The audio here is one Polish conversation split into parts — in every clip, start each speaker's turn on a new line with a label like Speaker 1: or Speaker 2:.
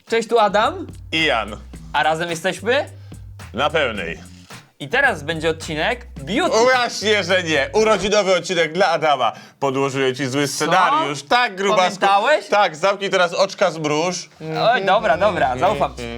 Speaker 1: Cześć, tu Adam,
Speaker 2: I Jan.
Speaker 1: a razem jesteśmy.
Speaker 2: Na pełnej.
Speaker 1: I teraz będzie odcinek Beauty.
Speaker 2: Właśnie, że nie. Urodzinowy odcinek dla Adama. Podłożyłem ci zły scenariusz. Tak, grubasku.
Speaker 1: Pamiętałeś?
Speaker 2: Tak, zamknij teraz oczka, zmruż.
Speaker 1: Oj, dobra, zaufam ci.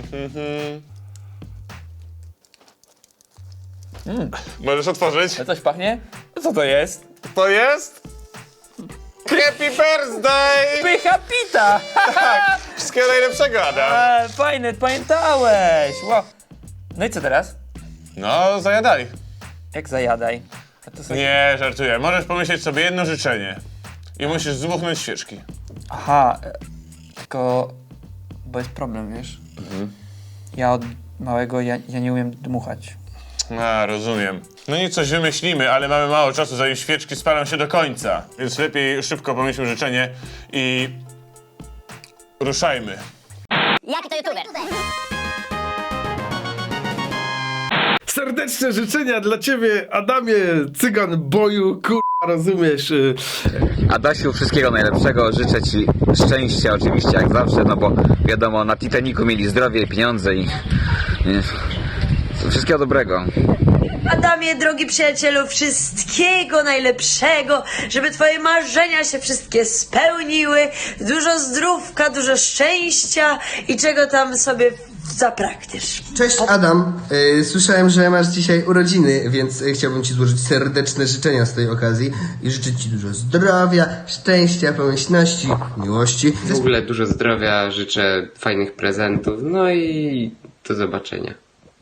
Speaker 2: Możesz otworzyć?
Speaker 1: A coś pachnie? Co to jest?
Speaker 2: To jest... Happy birthday!
Speaker 1: Pycha pita!
Speaker 2: Tak, wszystkiego najlepszego, Adam.
Speaker 1: Fajne, pamiętałeś. Wow. No i co teraz?
Speaker 2: No, zajadali.
Speaker 1: Jak zajadaj? A to są...
Speaker 2: Nie, żartuję. Możesz pomyśleć sobie jedno życzenie. I musisz zdmuchnąć świeczki.
Speaker 1: Aha, tylko... Bo jest problem, wiesz? Ja od małego, ja nie umiem dmuchać.
Speaker 2: A, rozumiem. No nic, coś wymyślimy, ale mamy mało czasu, zanim świeczki spalą się do końca. Więc lepiej szybko pomyślmy życzenie i... ruszajmy.
Speaker 3: Jaki to youtuber?
Speaker 4: Serdeczne życzenia dla ciebie, Adamie, cygan boju, rozumiesz?
Speaker 5: Adasiu, wszystkiego najlepszego, życzę ci szczęścia oczywiście jak zawsze, no bo wiadomo, na Titanicu mieli zdrowie, pieniądze i wszystkiego dobrego.
Speaker 6: Adamie, drogi przyjacielu, wszystkiego najlepszego, żeby twoje marzenia się wszystkie spełniły, dużo zdrówka, dużo szczęścia i czego tam sobie zapragniesz.
Speaker 7: Cześć Adam, słyszałem, że masz dzisiaj urodziny, więc chciałbym ci złożyć serdeczne życzenia z tej okazji i życzyć ci dużo zdrowia, szczęścia, pomyślności, miłości.
Speaker 8: W ogóle dużo zdrowia, życzę fajnych prezentów, no i do zobaczenia.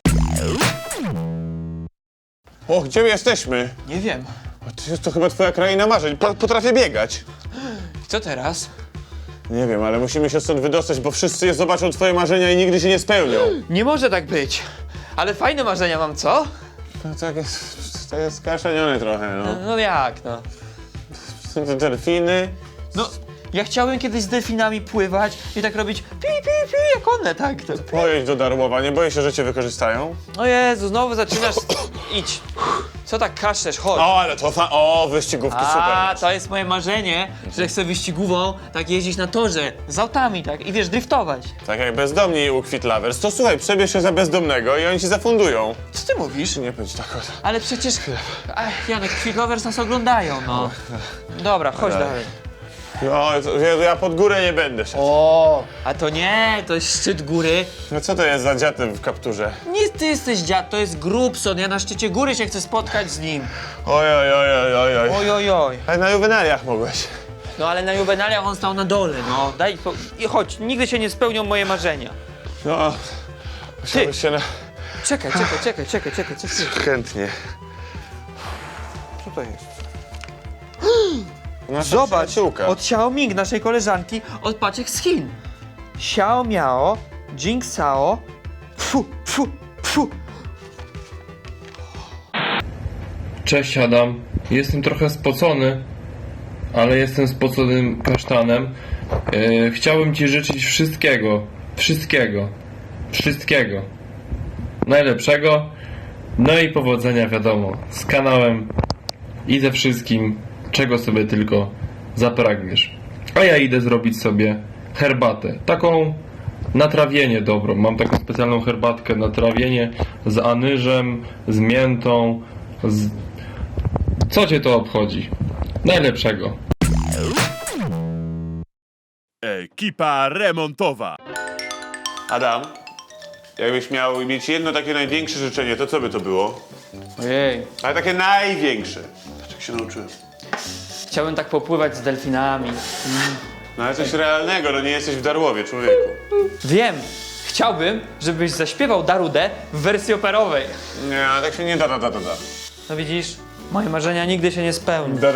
Speaker 2: O, gdzie my jesteśmy?
Speaker 1: Nie wiem.
Speaker 2: To chyba twoja kraina marzeń. Potrafię biegać.
Speaker 1: Co teraz?
Speaker 2: Nie wiem, ale musimy się stąd wydostać, bo wszyscy zobaczą twoje marzenia i nigdy się nie spełnią.
Speaker 1: Nie może tak być. Ale fajne marzenia mam, co?
Speaker 2: No, to jest skaszeniony trochę, no.
Speaker 1: No jak, no?
Speaker 2: Są te delfiny.
Speaker 1: No, ja chciałem kiedyś z delfinami pływać i tak robić pi, pi, pi, jak one, tak. To.
Speaker 2: Pojedź do Darłowa, nie boję się, że cię wykorzystają?
Speaker 1: O Jezu, znowu zaczynasz... Idź. Co tak kaszesz, chodź.
Speaker 2: O, ale to wyścigówki
Speaker 1: A,
Speaker 2: super.
Speaker 1: to jest moje marzenie, że chcę wyścigową tak jeździć na torze z autami, tak, i wiesz, driftować.
Speaker 2: Tak jak bezdomni u Quit Lovers, to słuchaj, przebierz się za bezdomnego i oni ci zafundują.
Speaker 1: Co ty mówisz?
Speaker 2: Nie bądź tak od...
Speaker 1: Ale przecież... Ach, Janek, Quick Lovers nas oglądają, no. Dobra, chodź dalej.
Speaker 2: No, ja pod górę nie będę szedł.
Speaker 1: O, a to nie, to jest szczyt góry.
Speaker 2: No co to jest za dziatem w kapturze?
Speaker 1: Nie ty jesteś dziad, to jest Grubson, ja na szczycie góry się chcę spotkać z nim.
Speaker 2: Oj.
Speaker 1: Oj, oj, oj.
Speaker 2: Ale na juwenaliach mogłeś.
Speaker 1: No ale na juwenaliach on stał na dole, no. I chodź, nigdy się nie spełnią moje marzenia.
Speaker 2: No, musiałbyś się na...
Speaker 1: Czekaj, coś ty.
Speaker 2: Chętnie.
Speaker 1: Co to jest?
Speaker 2: Nasza
Speaker 1: Zobacz,
Speaker 2: przyjaciółka.
Speaker 1: od Xiaoming, naszej koleżanki, od paczek z Chin. Xiao Miao, Jing Sao, fu.
Speaker 9: Cześć Adam, jestem trochę spocony, ale jestem spoconym kasztanem. Chciałbym ci życzyć wszystkiego najlepszego, no i powodzenia wiadomo, z kanałem i ze wszystkim, czego sobie tylko zapragniesz. A ja idę zrobić sobie herbatę, taką na trawienie dobrą. Mam taką specjalną herbatkę na trawienie z anyżem, z miętą, Co cię to obchodzi? Najlepszego.
Speaker 10: Ekipa remontowa.
Speaker 2: Adam, jakbyś miał mieć jedno takie największe życzenie, to co by to było?
Speaker 1: Ojej.
Speaker 2: Ale takie największe. Patrz jak się nauczyłem.
Speaker 1: Chciałbym tak popływać z delfinami.
Speaker 2: No ale coś realnego, no nie jesteś w Darłowie, człowieku.
Speaker 1: Wiem, chciałbym, żebyś zaśpiewał Darudę w wersji operowej.
Speaker 2: Nie, tak się nie da.
Speaker 1: No widzisz, moje marzenia nigdy się nie spełnią.
Speaker 2: Da.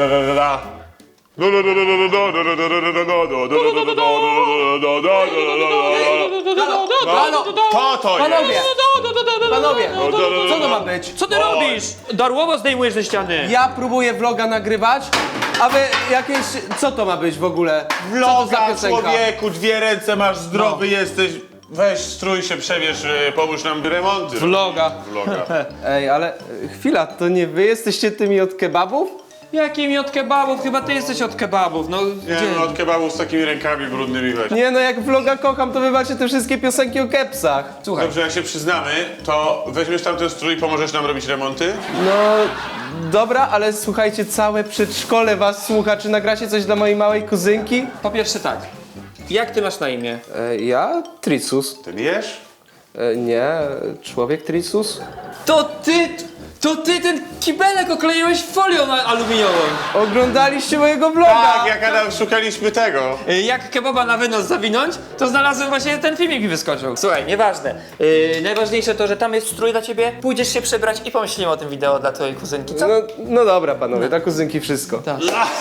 Speaker 2: To jest!
Speaker 11: Panowie, co to ma być?
Speaker 1: Co ty robisz? Darłowo zdejmujesz ze ściany.
Speaker 11: Ja próbuję vloga nagrywać, a wy jakieś... Co to ma być w ogóle? Co to za
Speaker 2: Vloga,
Speaker 11: piosenka?
Speaker 2: człowieku, 2 ręce masz, zdrowy jesteś. Weź, strój się, przebierz, pomóż nam remonty.
Speaker 1: Vloga.
Speaker 2: Vloga.
Speaker 11: Ej, ale chwila, to nie wy jesteście tymi od kebabów?
Speaker 1: Jakimi od kebabów? Chyba ty jesteś od kebabów, no
Speaker 2: Nie
Speaker 1: gdzie?
Speaker 2: no, od kebabu z takimi rękami brudnymi weź.
Speaker 11: Nie no, jak vloga kocham, to wy macie te wszystkie piosenki o kepsach.
Speaker 1: Słuchaj,
Speaker 2: Dobrze, jak się przyznamy, to weźmiesz tam ten strój i pomożesz nam robić remonty?
Speaker 11: No, dobra, ale słuchajcie, całe przedszkole was słucha. Czy nagracie coś dla mojej małej kuzynki?
Speaker 1: po pierwsze tak. Jak ty masz na imię?
Speaker 11: Ja? Tricus.
Speaker 2: Ty wiesz?
Speaker 11: Nie, człowiek Tricus.
Speaker 1: To ty ten kibelek okleiłeś folią aluminiową.
Speaker 11: Oglądaliście mojego vloga!
Speaker 2: Tak, jak Adam szukaliśmy tego.
Speaker 1: Jak kebaba na wynos zawinąć, to znalazłem właśnie ten filmik mi wyskoczył. Słuchaj, nieważne. Najważniejsze to, że tam jest strój dla ciebie, pójdziesz się przebrać i pomyślimy o tym wideo dla twojej kuzynki, co?
Speaker 11: No dobra, panowie, dla kuzynki wszystko.
Speaker 1: Tak.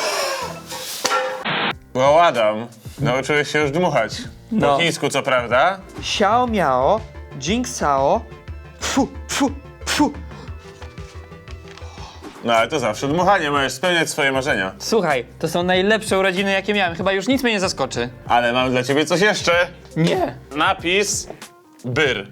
Speaker 2: Bo Adam, nauczyłeś się już dmuchać.
Speaker 1: No.
Speaker 2: Po chińsku, co prawda?
Speaker 1: Xiao miao, jing sao, fu, fu, fu.
Speaker 2: No ale to zawsze dmuchanie, możesz spełniać swoje marzenia.
Speaker 1: Słuchaj, to są najlepsze urodziny, jakie miałem. Chyba już nic mnie nie zaskoczy.
Speaker 2: Ale mam dla ciebie coś jeszcze.
Speaker 1: Nie.
Speaker 2: Napis byr.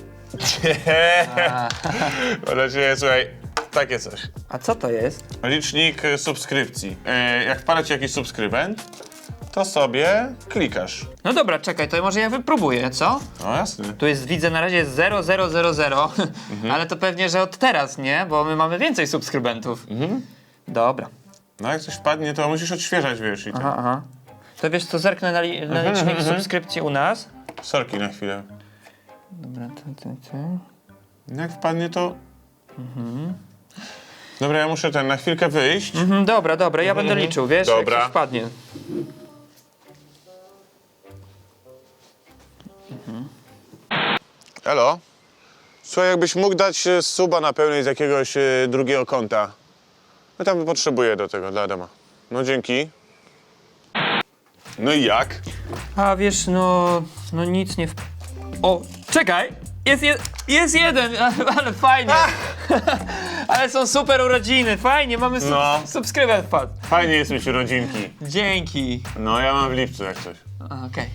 Speaker 2: Bo dla ciebie, słuchaj, takie coś.
Speaker 1: A co to jest?
Speaker 2: Licznik subskrypcji. Jak wpada ci jakiś subskrybent, to sobie klikasz.
Speaker 1: No dobra, czekaj, to może ja wypróbuję, co?
Speaker 2: No jasne.
Speaker 1: Tu jest, widzę na razie 0000, ale to pewnie, że od teraz, nie? Bo my mamy więcej subskrybentów. Dobra.
Speaker 2: No jak coś wpadnie, to musisz odświeżać, wiesz, i tak.
Speaker 1: Aha. To wiesz co, zerknę na licznik subskrypcji u nas.
Speaker 2: Sorki na chwilę.
Speaker 1: Dobra,
Speaker 2: Jak wpadnie, to... Dobra, ja muszę na chwilkę wyjść.
Speaker 1: Dobra, ja będę liczył, wiesz?
Speaker 2: Dobra.
Speaker 1: Jak coś wpadnie.
Speaker 2: Elo? Słuchaj, jakbyś mógł dać suba na pełnej z jakiegoś drugiego konta. No tam potrzebuję do tego, dla Adama. No dzięki. No i jak?
Speaker 1: A wiesz, no nic nie... O, czekaj! Jest jeden, ale fajnie. Ale są super urodziny, fajnie, mamy subskrybent wpadł.
Speaker 2: Fajnie jest mieć urodzinki.
Speaker 1: Dzięki.
Speaker 2: No ja mam w lipcu jak coś.
Speaker 1: Okej.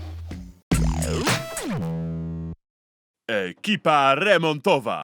Speaker 10: Ekipa remontowa.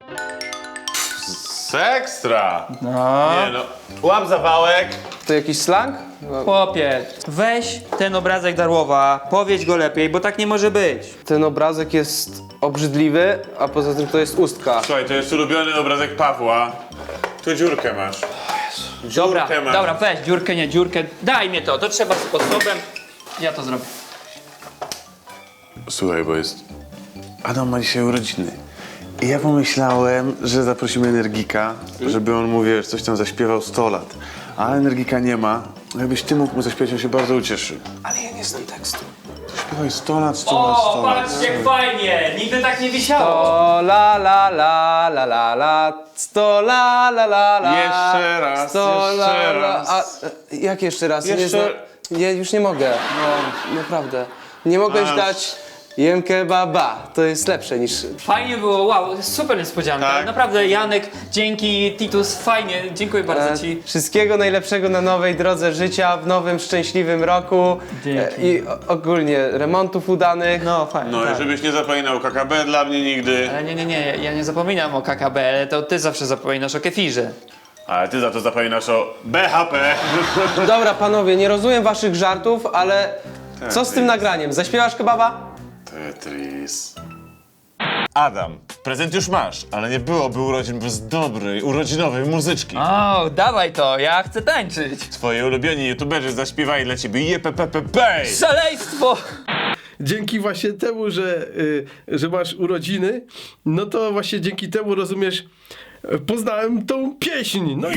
Speaker 2: Ekstra!
Speaker 11: No.
Speaker 2: Nie no, łap zawałek.
Speaker 11: To jakiś slang?
Speaker 1: Chłopie, weź ten obrazek Darłowa, powiedz go lepiej, bo tak nie może być.
Speaker 11: Ten obrazek jest obrzydliwy, a poza tym to jest ustka.
Speaker 2: Słuchaj, to jest ulubiony obrazek Pawła. Tu dziurkę masz.
Speaker 1: Dobra,
Speaker 2: Dziurkę masz.
Speaker 1: dobra, weź dziurkę, daj mnie to trzeba sposobem, ja to zrobię.
Speaker 12: Słuchaj, bo jest... Adam ma dzisiaj urodziny. I ja pomyślałem, że zaprosimy Energika, żeby on mu, wiesz, coś tam zaśpiewał 100 lat. Ale Energika nie ma. Jakbyś ty mógł mu zaśpiewać, on się bardzo ucieszy.
Speaker 11: Ale ja nie znam tekstu.
Speaker 12: Śpiewaj 100 lat, 100 lat, 100 lat.
Speaker 1: Patrzcie jak fajnie, nigdy tak nie wisiało.
Speaker 11: O la la la la la la, 100 la la la la.
Speaker 2: Jeszcze raz,
Speaker 11: 100
Speaker 2: jeszcze
Speaker 11: la, la.
Speaker 2: raz.
Speaker 11: A, jak jeszcze raz?
Speaker 2: Jeszcze-
Speaker 11: Nie, już nie mogę. No, naprawdę. Nie mogłeś dać jem kebaba. To jest lepsze niż...
Speaker 1: Fajnie było, wow, super niespodzianka.
Speaker 2: Tak.
Speaker 1: Naprawdę, Janek, dzięki, Titus, fajnie, dziękuję bardzo ci.
Speaker 11: Wszystkiego najlepszego na nowej drodze życia, w nowym, szczęśliwym roku.
Speaker 1: Dzięki.
Speaker 11: I ogólnie remontów udanych.
Speaker 1: No, fajnie.
Speaker 2: No i żebyś nie zapominał KKB dla mnie nigdy.
Speaker 1: Ale nie, ja nie zapominam o KKB, ale to ty zawsze zapominasz o kefirze.
Speaker 2: Ale ty za to zapominasz o BHP.
Speaker 11: Dobra, panowie, nie rozumiem waszych żartów, ale co z tym nagraniem? Zaśpiewasz kebaba?
Speaker 2: Tetris. Adam, prezent już masz, ale nie byłoby urodzin bez dobrej, urodzinowej muzyczki.
Speaker 1: O, dawaj to, ja chcę tańczyć.
Speaker 2: Twoi ulubieni youtuberzy zaśpiewali dla ciebie jepepepepe.
Speaker 1: Szaleństwo!
Speaker 4: Dzięki właśnie temu, że masz urodziny, no to właśnie dzięki temu, rozumiesz, poznałem tą pieśń. No i...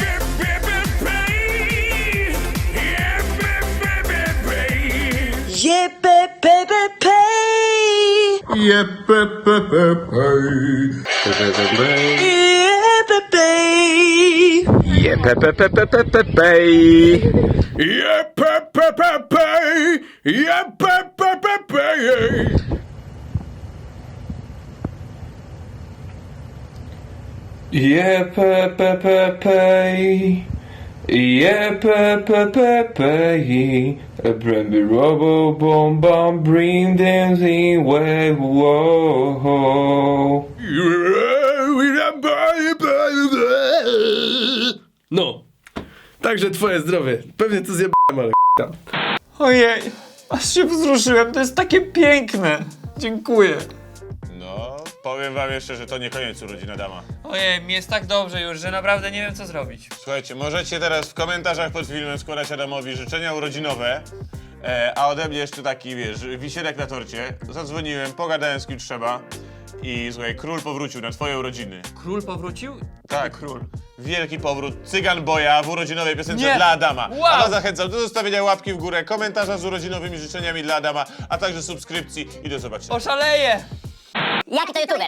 Speaker 9: Brambi robo bom bom bring dancing way whoa.
Speaker 4: No. Także twoje zdrowie. Pewnie to zjebałem, ale tam.
Speaker 1: Ojej, aż się wzruszyłem, to jest takie piękne. Dziękuję.
Speaker 2: No, powiem wam jeszcze, że to nie koniec urodzin Adama.
Speaker 1: Ojej, mi jest tak dobrze już, że naprawdę nie wiem co zrobić.
Speaker 2: Słuchajcie, możecie teraz w komentarzach pod filmem składać Adamowi życzenia urodzinowe, a ode mnie jeszcze taki, wiesz, wisielek na torcie. Zadzwoniłem, pogadałem z kim trzeba i słuchaj, król powrócił na twoje urodziny.
Speaker 1: Król powrócił?
Speaker 2: Tak,
Speaker 1: Król.
Speaker 2: wielki powrót Cygan Boya w urodzinowej piosence
Speaker 1: Nie.
Speaker 2: dla Adama.
Speaker 1: Wow.
Speaker 2: A was zachęcam do zostawienia łapki w górę, komentarza z urodzinowymi życzeniami dla Adama, a także subskrypcji i do zobaczenia.
Speaker 1: Oszaleję!
Speaker 3: Jaki to youtuber?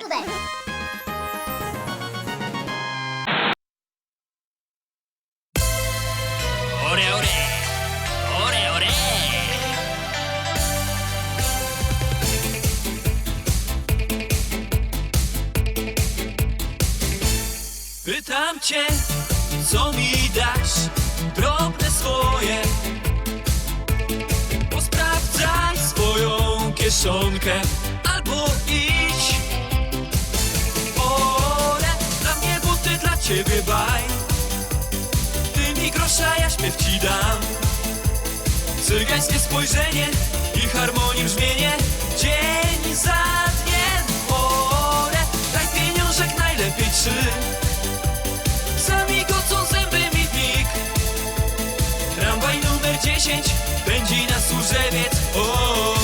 Speaker 1: Ore, ore! Ore, ore! Pytam cię, co mi dasz, drobne swoje. Posprawdzaj swoją kieszonkę, albo idź. Ore, dla mnie buty, dla ciebie baj. Ty mi grosza, ja śpiew ci dam. Cygańskie spojrzenie i harmonii brzmienie, dzień za dniem. Ore, daj pieniążek, najlepiej 3. Sami gocą zęby mi w mig. Tramwaj numer 10 pędzi na Służewiec.